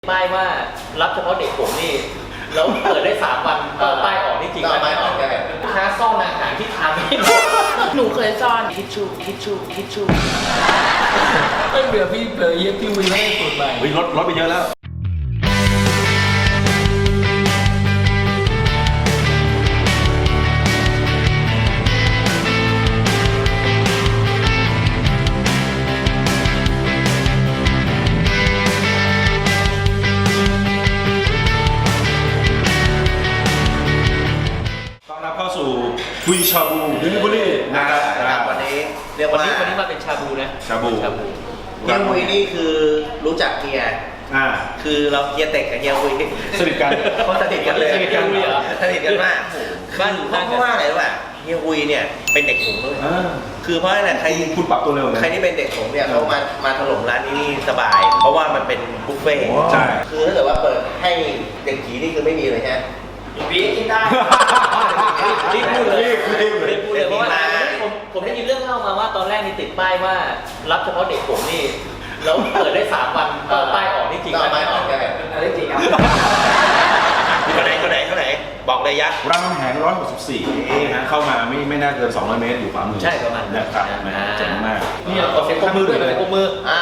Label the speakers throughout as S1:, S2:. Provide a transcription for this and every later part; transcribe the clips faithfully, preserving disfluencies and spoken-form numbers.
S1: ป้ายว่ารับเฉพาะเด็กผมนี่แล้วเปิดได้สามวันป้ายออกนี่จริงไหมป้ายออกลูกค้าซ่อนอาหารที่ทานไม่ได้หนูเคยซ่อนทิชชู่ทิชชู่ทิชชู่
S2: ไม่เบื่อพี่เบื่อเย็บพี่วีไม่ได้สูตรใหม่
S3: เฮ้ยลดลดไปเยอะแล้วคุยชาบูดิลิเวอรี่นะครับ
S4: วันนี้เรียกว่า
S1: วันนี้วันนี้มาเป็นชาบูนะ
S3: ชาบู
S1: ชาบู
S4: เฮียวุยนี่คือรู้จักเฮีย
S3: อ่า
S4: คือเราเฮียเต็กกับเฮียวุย
S3: สนิทกัน
S4: เขาสนิทกันเลย
S1: สนิทกันเลยเหรอ
S4: สนิทกันมากบ้านเพราะว่าอะไรวะเฮียวุยเนี่ยเป็นเด็กหงด้วยคือเพราะอะไรใคร
S3: คุณปรับตัวเร็วนะ
S4: ใครที่เป็นเด็กหงเนี่ยเขามามาถล่มร้านนี้นี่สบายเพราะว่ามันเป็นบุฟเฟ่ต์
S3: ใช่
S4: คือถ้าเกิดว่าเปิดให้เด็กผีนี่คือไม่มีเลยฮะ
S1: ปีกินได้รีบพูดเลยรีบพูดเลยเพราะว่าผมผมได้ยินเรื่องเล่ามาว่าตอนแรกนี่ติดป้ายว่ารับเฉพาะเด็กผมนี่แล้วเปิดได้สามวันป้ายออกนี่จริงไหม
S4: ป้ายออกใช่
S1: อันนี้จริงครับ
S4: คนไหนคนไหนคนไหนบอกเลยยักษ์
S3: รามคำแหงหนึ่งร้อยหกสิบสี่นี่ฮะเข้ามาไม่ไม่น่าเกินสองร้อยเมตรอยู่ขวามือ
S1: ใช่ประมาณ
S3: นะครับเจ๋งมาก
S1: นี่เราเซ็ตมือด้วยเลยมือ
S4: อ่ะ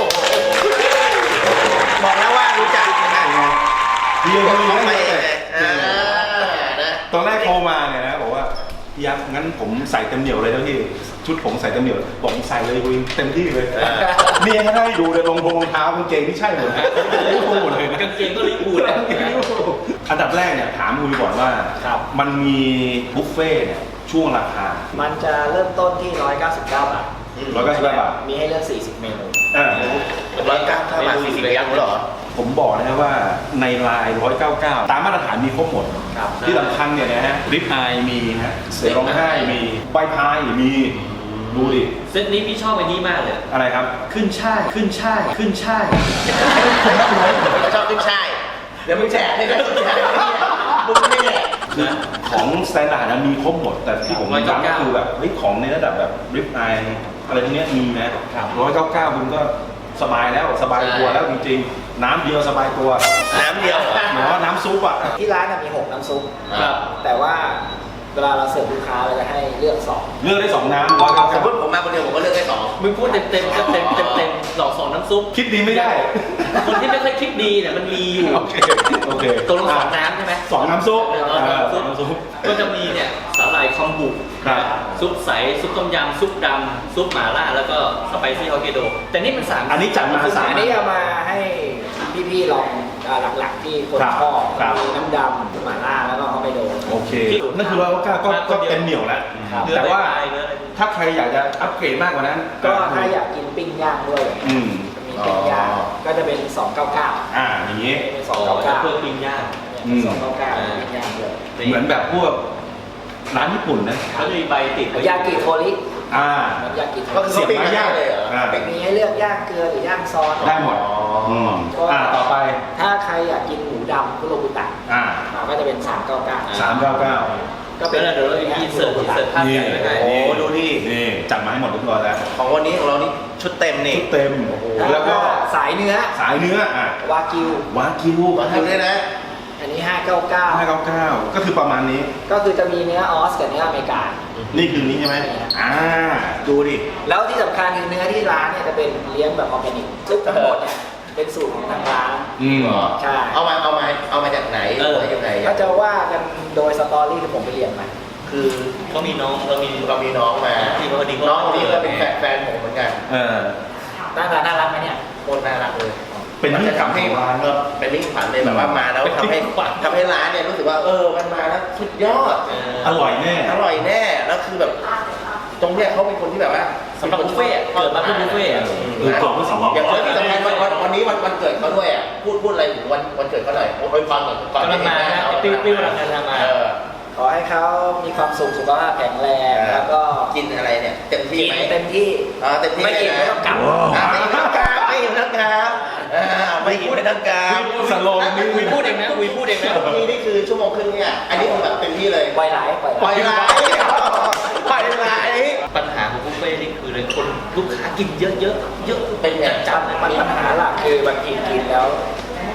S4: บอกแล้วว่ารู้จักนะ
S3: เฮียคุยไม่ได้ตอนแรกโทรมาเนี่ยนะบอกว่าพี่ยักษ์งั้นผมใส่เต็มเหนียวเลยนะพี่ชุดผมใส่เต็มเหนียวบอกใส่เลยคุยเต็มที่เลยนี่ให้ได้ดูเลยรองรองเท้ากางเกงที่ใช่หมดนะลิเวอร์พูลหมดเลย
S1: กางเกงก็ลิเวอร์พูลนะ
S3: อันดับแรกเนี่ยถามคุยก่อนว่ามันมีบุฟเฟ่เนี่ยช่วงราคา
S2: มันจะเริ่มต้นที่หนึ่งร้อยเก้าสิบเก้าบาท
S3: ร้อยเก้าสิบเก้าบาท
S2: มีให้เลือกสี่สิบเมนู
S3: อ่า
S4: ร้อยเก้าสิบเก้าบาทสี่สิบยักษ์เหรอ
S3: ผมบอกนะครับว่าในไลน์หนึ่งร้อยเก้าสิบเก้าตามมาตรฐานมีครบหมดที่สำคัญเนี่ยนะฮะลิปอายมีฮะเสือร้องไห้มีใบพายมีดูดิ
S1: เซตนี้พี่ชอบอันนี้มากเลย
S3: อะไรครับ
S1: ขึ้นช่ายขึ้นช่ายขึ้นช่าย
S4: ชอบขึ้นช่ายเดี๋ยวมึงแฉให้ได้ขึ้นช่ายมึงไม่แหละ
S3: คือของสแตนดาร์ดมีครบหมดแต่ที่ผมย้ำก็คือแบบเฮ้ยของในระดับแบบลิปอายอะไรพวกนี้มีนะร้อยเก้าเก้าคุณก็สบายแล้วสบายตัวแล้วจริงๆน้ำเดียวสบายตัว
S4: น้ำเดียว
S3: หมายว่าน้ำซุปอ่ะ
S2: ที่ร้านมีหกน้ำซุปแต่ว่าเวลาเราเสิร์ฟลูกค้าเราจะให้เลือกสอง
S3: เลือกได้สองน้ำร้อยเก้า
S4: สมมติผมมาคนเดียวผมก็เลือกได้สอง
S1: มึงพูดเต็มเต็มเต็มเต็มเต็มเต็มสองสองน้ำซุป
S3: คิดดีไม่ได้
S1: คนที่ไม่ค่อยคิดดีเนี่ยมันมีอยู่
S3: โอเคโอเค
S1: ตัวลงสองน้ำใช่ไหม
S3: สองน้ำซุป
S1: สองน้ำซุปก็จะมีเนี่ยสาหร่ายคอมบุซุปใสซุปต้มยำซุปดำซุปหม่าล่าแล้วก็สไปซี่ฮอกไกโดแต่นี่มันสาม
S3: อันนี้จัดมาสาม
S2: อันนี้เอามาให้พี่ๆลองหลักๆที่คนชอบมีน้ำดำหม่าล่าแล้วก็ฮอกไกโด
S3: โอเคนั่นคือว่าก็ก็เต็มเหนียวแล้วแต่ว่าถ้าใครอยากจะอัปเกรดมากกว่านั้น
S2: ก็ถ้าอยากกินปิ้งย่างด้วยมีปิ้งย่างก็จะเป็นสองเก้าเก้า
S3: อ่าอย่างนี้
S2: เป็นสองเก้าเก้า
S1: เพื่อปิ้งย่าง
S2: สองเก้าเก้าปิ้งย่างเลย
S3: เหมือนแบบพวกร้านญี่ปุ่นนะ
S1: เขาจะมีใบติด
S2: ยากิโทริ
S3: อ่า
S2: มันยากิโทริ
S4: ก็คือเสียบไม้ย่างเลยเหรอ
S2: มีให้เลือกย่างเกลือหรือย่างซอส
S3: ได้หมดอ่าต่อไป
S2: ถ้าใครอยากกินหมูดำคุโรบุตะ
S3: อ่า
S2: ก็จะเป็นสามเก้าเก้า
S3: สามเก้าเก้า
S1: ก็เป็นเดี๋ยวเราอินเสิร์ตอินเสิร์ตภาพใหญ่ไปไหน
S4: โอ้ดูดิ
S3: นี่จัดมาให้หมดทุกตัวแล้ว
S4: ของวันนี้ของเรานี่ชุดเต็มนี่
S3: ชุดเต็ม
S2: แล้วก็สายเนื้อ
S3: สายเนื้ออ่ะ
S2: วากิว
S3: วากิว
S4: วากิวด้วยนะ
S2: อันนี้ห้าเก้าเก้า
S3: ห้าเก้าเก้าก็คือประมาณนี้
S2: ก็คือจะมีเนื้อออสกับเนื้ออเมริกา
S3: นี่คือนี้ใช่ไหมอ่าดูดิ
S2: แล้วที่สำคัญคือเนื้อที่ร้านเนี่ยจะเป็นเลี้ยงแบบออร์แกนิกซึ่งทั้งหมดเนี่ยเป็นสูตรของทางร้าน
S3: อืม
S2: ใช่
S4: เอามาเอามาเอามาจากไหน
S1: เออ
S4: ยังไง
S2: ก็จะว่ากันโดยสตอรี่ที่ผมไปเรียนมา
S4: คือ
S1: เขามีน้องเรามี
S4: เรามีน้องมา
S1: ที่เขาดี
S4: น้องคนนี้ก็เป็นแฟนผมเหมือนกัน
S3: เออ
S2: น่ารักน่ารักไหมเนี่ย
S4: โคตรน่ารักเลย
S3: เป็นที่ขวัญ
S4: ให้ร้านก็เป็นที่ขวัญเลยแบบว่ามาแล้วทำให้ทำให้ร้านเนี่ยรู้สึกว่าเออมันมาแล้วสุดยอด
S3: อร่อยแน่
S4: อร่อยแน่แล้วคือแบบตรงเนี้ยเขาเป็นคนที่แบบว่า
S1: สำหรับบุฟเฟ่เกิดมาเพื่อบุฟเฟ่อะ
S3: เออเกิดเพื่อสำหรับ
S4: อย่างที่สำคัญวันวันนี้วันวันเกิดเขาด้วยอ่ะพูดพูดอะไรถึงวันวันเกิดเขาหน่อยโอ้ยฟังก่อนก่อน
S1: ที่มาติ้วติ้วรังงานมา
S2: ขอให้เขามีความสุขสุขภาพแข็งแรงแล้วก็
S4: กินอะไรเนี่ยเต็มที่ไหม
S2: เต็มที่
S4: อ๋อเต็มที่
S2: ไม่กินไม่ต้องกลับ
S4: ไม่กินต้องกลับไม่กินต้องกลับไม่กินไม่ต้องกลับ
S1: สโลว์นี่วีพูดเองนะวีพูดเองนะ
S4: นี่นี่คือชั่วโมงครึ่งเนี่ยอันนี้คือแบบเต็มที่เลย
S2: ปล่อยไหลปล่อยไหล
S4: ปล่อยไหลปล่อยไหล
S1: ปัญหาของบุฟเฟ่นี่คือเลยคนลูกค้ากินเยอะเยอะเยอะ
S4: เป็นแบบ
S1: จัด
S2: มันปัญหาหลักคือบางทีกินแล้ว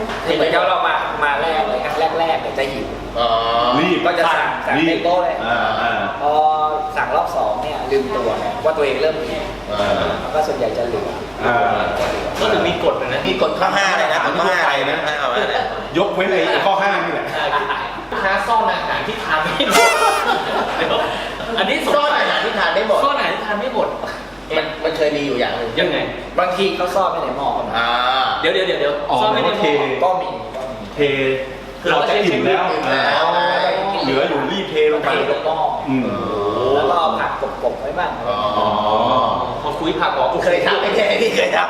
S2: เหมือนกับเรามามาแรกเลยครั้งแรกๆเนี่ยจะหิว
S4: อ๋อ
S3: รีบ
S2: ก็จะสั่งสั่ง
S3: รี
S2: เต็
S3: บ
S2: มโต๊ะเลย
S3: อ่าอ่า
S2: พอสั่งรอบสองเนี่ยลืมตัวไงว่าตัวเองเริ่มหิว
S4: อ่า
S2: แล้วก็ส่วนใหญ่จะเหลือ
S3: อ่า
S1: ก็ถึงมีกฎนะ
S4: มีกฎข้อห้าเลยนะกฎข้อห้าอะไรนะเอามาเนี่ย
S3: ยกเว้นไอ้ข้อห้านี่แหละ
S1: ลูกค้าซ่อนอาหารที่ทานไม่หมดเดี๋ยวอันนี้สง
S4: ซ่อน
S1: สัย
S4: อาหารที่ทานได้หมด
S1: ซ่อนอาหารที่ทานไม่หมด
S4: มันมันเคยมีอยู่อย่างหนึ่ง
S1: ยังไง
S2: บางทีเขาซ่อนไว้ในหม้อก็มี
S4: อ่า
S1: เดี๋ยวเดี๋ยวเดี๋ยวเดี๋ยว
S3: อ๋อ
S1: ซ่อนไม่ได้
S3: โอเค
S2: ก็มีก็มี
S3: เทเราจะอิ่มแล้ว
S4: อิ่มแล้ว
S3: อ่าเหลืออยู่รีบเทลงไป
S2: เทลงหม้อ
S3: อืม
S2: แล้วก็เอาผักกบๆไว้บ้าง
S4: อ๋อ
S1: พอคุยผักออก
S4: เคยทำไม่ใช่ที่เคยท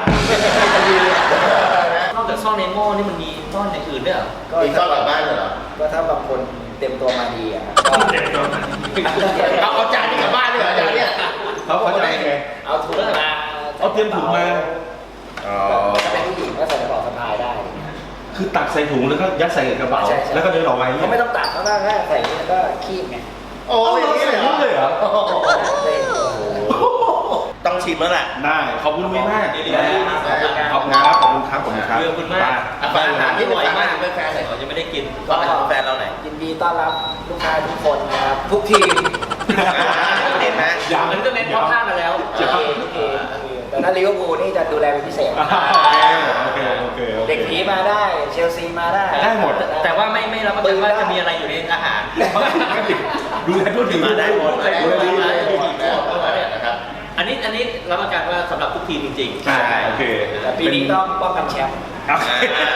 S1: นอกจากซ่อนในหม้อนี่มันมีซ่อนอย่างอื่นด้วยเหรอ
S4: ำมีซ่อนกลับบ้านเหรอ
S2: ก็ถ้าบางคนเต็มตัวมาดีอ่ะก็
S4: เอาเอาจานนี้กลับบ้านด้วยเหรอจานเนี้ย
S3: เขาเขาจะได้ไง
S2: เอาถุงมา
S3: เอาเตรียมถุงมา
S4: อ๋อ
S2: ถ้าเป็นผู้หญิงก็ใส่กระเป๋าสะพายได้
S3: คือตักใส่ถุงแล้วก็ยัดใส่กระเป๋า
S2: ใช่ใช่
S3: แล้วก็เดินออกไป
S2: เขาไม่ต้องตัดเขาก็แค่ใส่นี่แล้วก็คีบไง
S4: โอ้ยอย่างนี้เลยเหรอ
S3: เลยเหรอ
S2: เต็มตัว
S4: ต้องชิมแล้วแหละ
S3: ได้ขอบคุณลุงมาก
S1: เดี๋ยวเดี๋ยวเดี๋ยว
S3: ขอบคุณครับขอบคุณครับขอบคุณครับ
S1: เรื่องคุณมาก
S4: อาหารอาหารที่เป็นแฟนเป็นแฟนหน่อย
S1: เรายังไม่ได้กิน
S4: ฝากแฟนเราหน่อย
S2: ยินดีต้อนรับลูกค้าทุกคนนะครับทุกทีม
S4: เห็นไหม
S3: ยัง
S1: มันก็เน้นข้อห้ามาแล้ว
S2: ทุกทีมทุกทีมแต่ถ้าลิเวอร์พูลนี่จะดูแลเป็นพิเศษ
S3: โอเคโอเคโอเค
S2: เด็กผีมาได้เชลซีมาได้
S3: ได้หมด
S1: แต่ว่าไม่ไม่รับประกันว่าจะมีอะไรอยู่ในอาหาร
S3: ดูแลทั่วถึง
S4: มาได้หมดมาได้หมดมาได้หมดนะครับ
S1: อันนี้อันนี้รับประกันว่าสำหรับทุกทีมจริงๆ
S3: ใช่โอเค
S2: แต่ปีนี้ต้องป้องกันแชมป์
S3: โอเค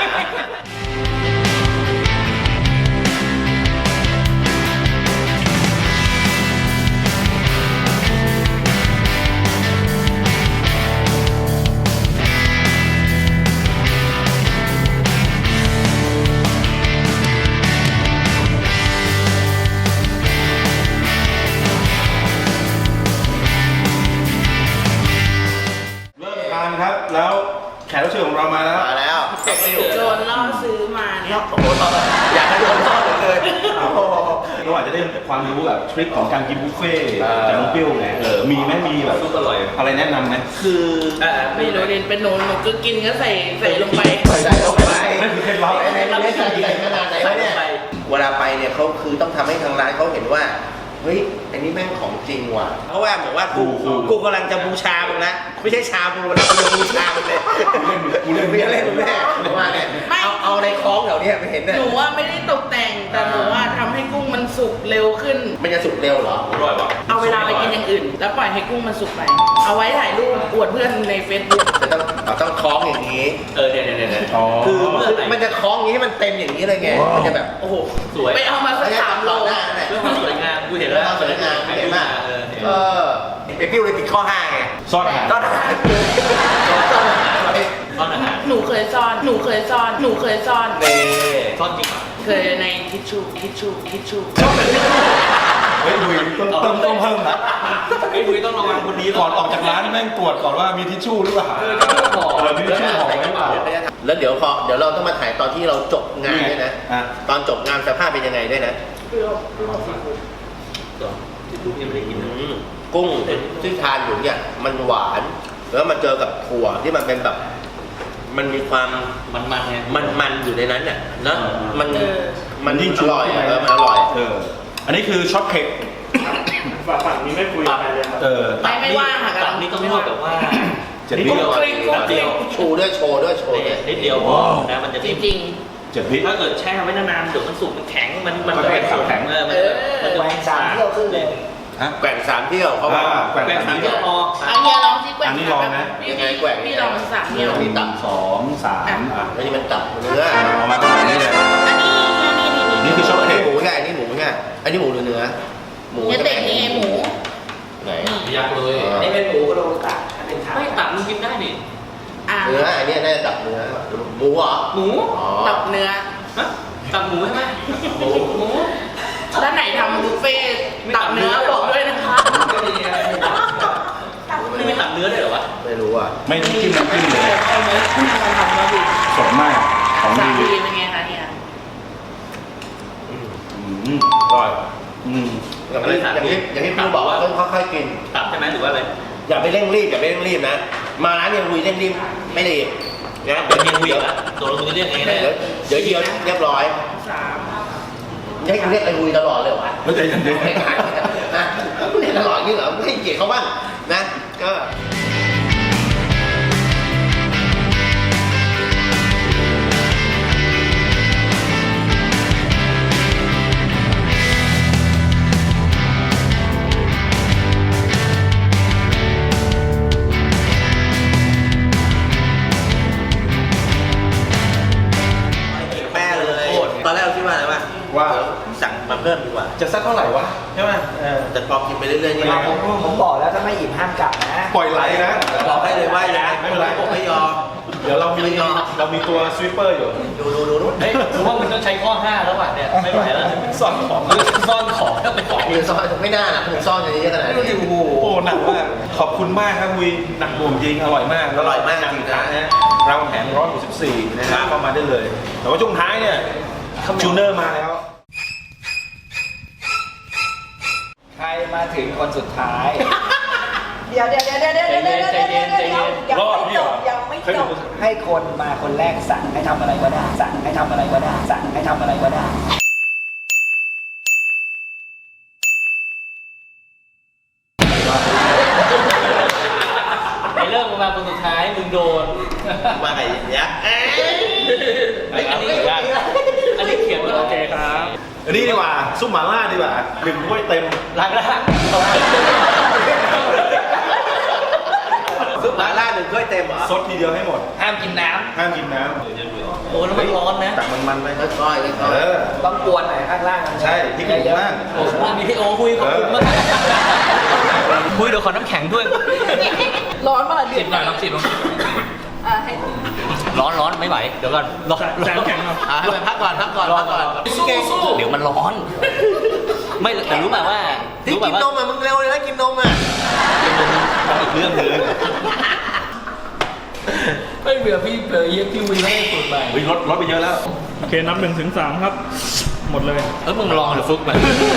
S3: เริ่มทานครับ แล้วแขกรับเชิญของเรามาแล้ว
S4: มาแล้ว
S5: โดนล่อซื้อมาเนี่ย
S4: โอ้โหอยากให้โดนทอดเลยโอ้โห
S3: เราอาจจะได้ความรู้แบบทริคของการกินบุฟเฟ่ต์
S4: อ่า
S3: จากน้องเปรี้ยวไงเออมีไหมมีแบบ
S1: ซุปอร่อย
S3: อะไรแนะนำไหม
S4: คือ
S1: อ่า
S5: ไม่รู้เรียนเป็นหนูหนูก็กินก็ใส่ใส่ลงไป
S4: ใส่ลงไป
S3: นั่นคือเคล็ดลับ
S4: ในในในใส่ใส่ขนาดไหนวะเนี่ยเวลาไปเนี่ยเขาคือต้องทำให้ทางร้านเขาเห็นว่าเฮ้ยอันนี้แม่งของจริงว่ะเพราะว่าเหมือนว่ากูกูกำลังจะบูชามึงนะไม่ใช่ชาบูนะกูจะบูชามึงเลย
S3: กูเล่น
S4: ไม่เล่นแม่ว่าเนี่ย
S5: ไม่
S4: เอาเอาในคล้องแถวเนี้ยไม่เห็นเนี่ย
S5: หนูว่าไม่ได้ตกแต่ง แต่หนูว่าทำให้กุ้งมันสุกเร็วขึ้น
S4: มันจะสุกเร็วเหรอ
S1: อร่อยป่ะ
S5: เอาเวลาไปกินอย่างอื่น แล้วปล่อยให้กุ้งมันสุกไป เอาไว้ถ่ายรูปอวดเพื่อนใน Facebook
S4: จะต้องเราต้องคล้องอย่างนี้
S1: เออเนี่ยเนี่ยเนี่ย
S3: อ๋อ
S4: คือคือมันจะคล้องอย่างนี้ให้มันเต็มอย่างนี้เลยไงมันจะแบบ
S1: โอ้โหสวย
S5: ไปเอามาสักสามโล
S4: หน้าเนี่ย
S1: เรื่องความสวยงามกูเห็นแล้ว
S4: สวยงามเห็นไหม
S1: เออเห็น
S4: เออไอพิวเลยติดข้อห้าไง
S3: ซ่อนอาหาร
S4: ต้นอาหารต้นอาหารอะไร
S1: ซ่อนอาหาร
S5: หนูเคยซ่อน หนูเคยซ่อน หนูเคยซ่อน
S1: เน่ซ่อนจริงเหรอ
S5: เคยในทิชชู่ ทิชชู่ ทิชชู่
S3: เฮ้ยดุยต้องต้องต้องเพิ่มนะ
S1: ไอ้ยคุยต้องระวังคนนี้
S3: ก่อนออกจากร้านแม่งตรวจก่อนว่ามีทิชชู่หรือเปล่า
S1: เออทิชชู่ห่อ
S3: เออมีทิชชู่ห่อไว้หรือเปล่า
S4: แล้วเดี๋ยวพอเดี๋ยวเราต้องมาถ่ายตอนที่เราจบงานด้วยนะ
S3: อ่ะ
S4: ตอนจบงานสภาพเป็นยังไงด้วยนะ
S1: ทิชชู่ยังไม่ได้กินนะ
S4: อืมกุ้งที่ทานอยู่เนี่ยมันหวาน แล้วมาเจอกับถั่วที่มันเป็นแบบ มันมีความ
S1: มันมันไง
S4: มันมันอยู่ในนั้นน่ะนะมัน
S5: เออ
S4: มัน
S3: ยิ่ง
S4: อ
S3: ชู
S4: ร่อย
S3: ขึ้น
S4: อะ
S3: ไป
S4: เออมันอร่อย
S3: เออ อันนี้คือช็อตเค้ก
S6: ฝั่งนี้ไม่คุยกันเลยครับ
S3: เออ
S5: ไม่ไม่ว่างค่ะ
S1: ตับนี่ต้องนวดแบบว่า
S3: เจ็ด
S1: นิด
S3: วิ
S1: เดียว
S5: กริ๊งกริ๊ง
S1: นิดเดียว
S4: ชูด้วยโชว์ด้วยโชว์ด้วย
S1: นิดเดียวพอนะมันจะ
S5: จ
S1: ไม่
S5: ริง
S3: เจ็ดวิ
S1: ถ้าเกิดแช่ไว้นานๆเดี๋ยวมันสุกมันแข็งมันมัน
S3: มันจะเป็นแข็ง
S1: เออมันจะมันจะ
S2: แหวงสามเที่ยวขึ้นเลย
S3: ฮะ
S4: แกว่งสามเที่ยวเขาบอก
S3: อ่าแกว่ง
S1: แบ่งสามเที่ยวพอ
S5: ๆเอาเฮียลองสิแกว่ง
S3: อันนี้ลองนะ
S5: พี่
S4: ยังไงแกว่ง
S5: พี่ลองสามเที่ยว
S4: มีตับ
S3: สองสามอ่ะ
S4: อันนี้มันตับเนื้อ
S3: เอามาขนาดนี้เลย
S5: อันนี้อันนี้นี่
S3: นี่คือช็อต
S4: อัน
S3: เค้
S4: นี้
S3: ก
S4: หมูไงอันนี้หมูไงอันนี้หมูหรือเนื้อหมู
S5: เฮียเต็กนี่ไงหมู
S4: ไหน
S1: ยักษ์เลย
S2: อันนี้เป็นหมูกระโดงตัดถ้าเป็นขา
S1: ไม่ตับมันกินได้นี่
S5: อ่ะ
S4: เนื้ออันนี้น่าจะตับเนื้อหมูเหรอ
S1: หมู
S4: อ๋อ
S5: ตับเนื้อ
S1: ฮะตับหมูใช่ไหมหมูหมู
S5: ด้านไหนทำบุฟเฟ่ต์ตับเนื้อบอกด้วยนะคะ
S1: ไม่มีตับเนื้อด้วยเหรอวะ
S4: ไม่รู้อ่ะ
S3: ไม่ต้องจิ้มน้ำจิ้มเลย
S5: เอาไหมคุณทำทำมาดิ
S3: สดมาก ของ
S5: สา
S3: ดี
S5: มีเป็นไงคะเนี่ย
S3: อืมอร่อยอืม
S4: อย่างที่อย่างที่อย่างที่พี่บอกว่าต้องค่อยๆกิน
S1: ตับใช่ไหมหรือว่าอะไร
S4: อย่าไปเร่งรีบอย่าไปเร่งรีบนะ มาร้านยังลุยเร่งรีบไม่ดีนะ
S1: เดี๋ยวเฮียคุยกันตัวเราจะเรียกไง
S4: เดี๋
S1: นะ
S4: ยวเดี๋ยวเฮียเรียบร้อย
S5: สาม
S4: ให้กูเรียกไอ้คุยตลอดเลยวะ
S3: แล้วใจเย็น
S4: ไม่ขายนะเรียกตลอดนี่เหรอไม่ให้เกียรติเขาบ้างนะก็ แม่เลยตอนแรกเราคิดว่าอะไรวะ
S3: ว่า
S4: สั่งมาเพิ่มดีกว่า
S3: จะสักเท่าไหร่วะใช่ไหมเออ
S4: แต่พอกินไปเรื่อยๆนี่
S2: เราผมผมบอกแล้วถ้าไม่อิ่มห้ามกลับนะ
S3: ปล่อยไหลนะ
S4: บอกให้เลยว่าอย่าไม่เป็นไรผมไม่ยอม
S3: เดี๋ยวเรามี
S4: ไม่ยอม
S3: เรามีตัวสวีปเปอร์อยู่
S4: ดูดูดูดู
S1: เฮ้ยผมว่ามึงต้องใช้ข้อห้าแล้วว่ะเนี่ยไม่ไหวแล้ว
S3: ซ่อนของ
S1: ซ่อนของแล้วไปของ
S4: มีซ่อนไม่น่านะผมซ่อนอย่างนี้ขนาดนี้
S3: โอ้โหหนักมากขอบคุณมากครับวีหนักหน่วงจริงอร่อยมาก
S4: อร่อยมาก
S3: จ
S4: จริ
S3: ริง
S4: ง
S3: นะ
S4: นะ
S3: ฮะเราแหนร้อยหกสิบสี่นะฮะเข้ามาได้เลย แต่ว่าช่วงท้ายเนี่ยจูเนอร์มาแล้ว
S2: ใครมาถึงคนสุดท้าย เดี๋ยวเดี๋ยวเดี๋ยวเดี๋ยวเดี๋ยวเดี๋ยวเดี๋ยวเดี๋ยวเดี๋ยวยัง
S3: รอด
S2: ไม่
S3: พี่
S2: จ
S3: เหรอบ
S2: ยังไม่
S3: เคย
S2: จ
S3: ดู
S2: บให้คนมาคนแรกสั่งให้ทำอะไรก็ได้ สั่งให้ทำอะไรก็ได้ สั่งให้ทำอะไรก็ได้
S1: ไอ้เริ่มมาคนสุดท้ายมึงโดน
S4: มาไอ้ยักษ์เอ้ย
S1: ไอ้อันนี้อันนี้เขียนว่าโอเคครับ
S3: อันนี้ดีกว่าซุปหม่าล่าดีกว่าหนึ่งถ้วยเต็ม
S1: ล้างล่าง
S4: ซุปหม่าล่าหนึ่งถ้วยเต็มเหรอ
S3: ซดทีเดียวให้หมด
S1: ห้ามกินน้
S3: ห้ามกินน้
S1: ำโอ้แล้วมันร้อนนะ
S3: ำตักมันๆไป
S4: ค่อยๆค่อย
S3: เออ
S2: ต้องกวนหน่อยข้างล่าง
S3: ใช่พริกหนุ่มมาก
S1: โอ้โหมีพี่โอคุยขอบคุณมากคุยเดี๋ยวขอน้ำแข็งด้วย
S5: ร้อนมากเดื
S1: สิ
S5: อบ ด
S1: หน่อยน้ำสิบ
S5: อ่ะให้
S1: ร้อนร้อนไม่ไหวเดี๋ยวก่อนร้อน
S6: แสงแข็งครับ
S4: ๆอ่าให้มันพักก่อนพักก่อนพักก่อน
S1: สู้สู้เดี๋ยวมันร้อน ไม่แต่รู้แบบว่า
S4: ที่
S1: รู้แบ
S4: กิ
S1: บ
S4: น
S1: ว่าน
S4: มอ่ะมึงเร็วเลยนะกินนมอ่ะ
S3: อีกเรื่องหนึง
S1: ไม่เบื่อพี่เบื่อเยี่ยพี่วีไม่ได้สูตรใหม่
S3: เฮ้ยลดลดไปเยอะแล้ว
S6: โอเคนับหนึ่งถึงสามครับ หมดเลย
S1: เออมึงลองเดี๋ยวฟุกไป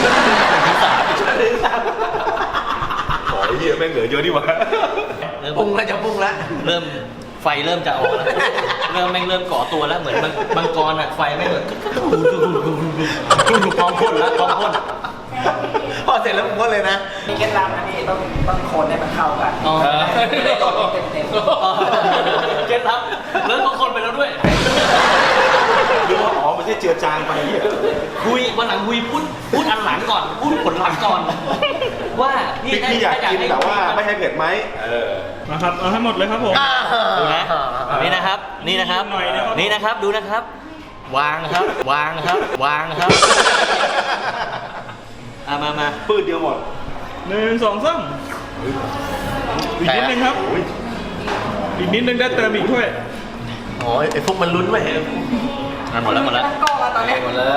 S3: ขอไอ้เหี้ยแม่งเหลือเยอะดีกว่า
S4: ปรุงแล้วจะปรุงแล้ว
S1: เริ่มไฟเริ่มจะออกแล้วเริ่มแม่งเริ่มก่อตัวแล้วเหมือนมังกรอ่ะไฟแม่งแบบพร้อมพ่นแล้วพร้อมพ่น
S4: พอเสร็จแล้วผมก็เลยนะ
S2: มีเคล็ดลับนะพี่ต้องต้องคนให้มันเข้ากัน
S1: อ๋อ
S2: ไม่ได้ตกเต็มเต็ม
S1: เคล็ดลับแล้วบางคนไปแล้วด้วย
S3: หรือว่าอ๋อไม่ใช่เจือจางไปเหี้ย
S1: คุยวันหลังคุยพูดพูดอันหลังก่อนพูดผลลัพธ์ก่อน ว่า
S3: พริกที่อยากกินแต่ว่าไม่ให้เผ็ดไหมเออ
S6: นะครับ เอาให้หมดเลยครับผม
S1: ดูนะนี่นะครับ นี่นะครับ
S6: หน่อยนะครับ
S1: นี่นะครับดูนะครับ วางครับ วางครับ วางครับอ่ะมามา
S3: ปืดเดียวหมด
S6: หนึ่งสองสามอีกนิดนึงครับ อีกนิดนึงได้เติมอีกถ้วย
S4: อ๋อไอ้พวกมันลุ้นไหม
S1: อ่ะหมดแล้วหมดแล้ว
S5: กล้องมาตอนนี้
S2: หมดแล้ว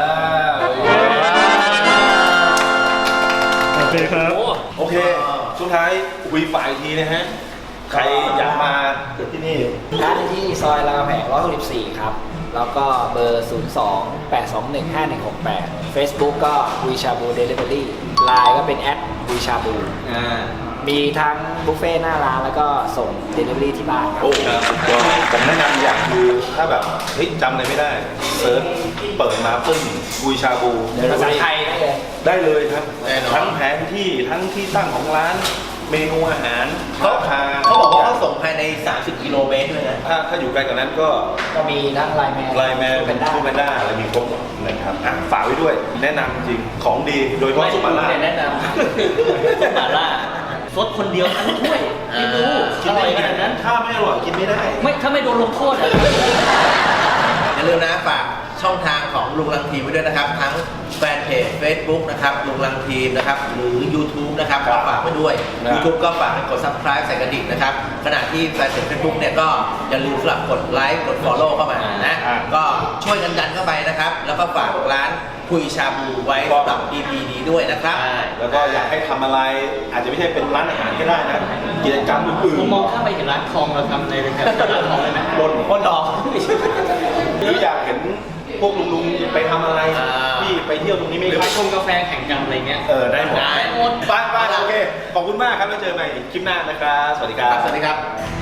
S6: โอเคครับ
S1: โอ้
S3: โอเคสุดท้ายคุยฝ่ายอีกทีนะฮะ ใครอยากมาเกิดที่นี่
S2: ร้านที่ซอยรามคำแหงหนึ่งร้อยหกสิบสี่ครับ แล้วก็เบอร์ ศูนย์ สอง แปด สอง หนึ่ง ห้า หนึ่ง หก แปด Facebook ก็วีชาบูเดลิเวอรี่ไลน์ก็เป็นแอดวีชาบูอ่ามีทั้งบุฟเฟ่ต์หน้าร้านแล้วก็ส่งเดลิเวอรี่ที่บ้านครับ
S3: โอ้ครับก็ผมแนะนำอย่างคือถ้าแบบเฮ้ยจำอะไรไม่ได้เซิร์ชเปิดมาปึ้งกุยชาบู
S2: ภาษาไทยได้เลย
S3: ได้เลยครับ
S4: แน่นอน
S3: ทั้งแผนที่ทั้งที่ตั้งของร้านเมนูอาหาร
S4: เขา
S3: ราคา
S4: เขาบอกว่าเขาส่งภายใน สามสิบ กิโลเมตรด้วยนะ
S3: ถ้าถ้าอยู่ไกลกว่านั้นก็
S2: ก็มีทั้งไลน์แมน
S3: ไลน์แมน
S2: เป็นได้
S3: ทูแมนด้าอะไรมีครบหมดนะครับอ่ะฝากไว้ด้วย แนะนำจริงของดีโดยเฉพาะซุปมาล่า
S1: ไม่แนะนำซุปมาล่าซดคนเดียวทั้งถ้วยไม่รู้
S3: กิ
S1: อน ร่
S3: ได้
S1: อยข
S3: ไง
S1: นาดนั้น
S3: ถ้าไม่อร่อยกินไม่ได้
S1: ไม่ถ้าไม่โดนลงโทษอะ
S4: อย่าลืมนะฝากช่องทางของลุงลังทีมไว้ด้วยนะครับ ทั้งแฟนเพจ Facebook นะครับลุงลังทีมนะครับหรือ YouTube นะครับก็ฝากไว้ด้วย
S3: ครับ
S4: YouTube ก็ฝากกด Subscribe ใส่กระดิ่งนะครับขณะที่แฟนเพจ Facebook เนี่ยก็อย่าลืมสลับกดไลค์กด Follow เข้ามานะ
S3: อ่า
S4: ก็ช่วยกันดันเข้าไปนะครับ แล้วก็ฝากร้านคุยชาบูไว้สำหรับ อี พี นี้ด้วยนะครับ
S3: แล้วก็อยากให้ทำอะไร อาจจะไม่ใช่เป็นร้านอาหารก็ได้นะกิจกรรมอื่น
S1: ผมมองข้ามไปเห็นร้านทองเราทำในรายการร้านทองเลยไหม
S3: ๆบนบนดอกหรืออยากเห็นพวกลุงๆไปทำอะไร
S4: อ่า
S3: ที่ไปเที่ยวตรงนี้
S1: ห
S3: ไม่
S1: รือไป
S3: ได้
S1: ชมกาแฟแข่งกันอะไรเงี้ย
S3: เออได้หมด
S4: ได้หมด
S3: ไปไปโอเค ขอบคุณมากครับแล้วเจอกันใหม่คลิปหน้านะครับ สวัสดีครับ
S4: สวัสดีครับ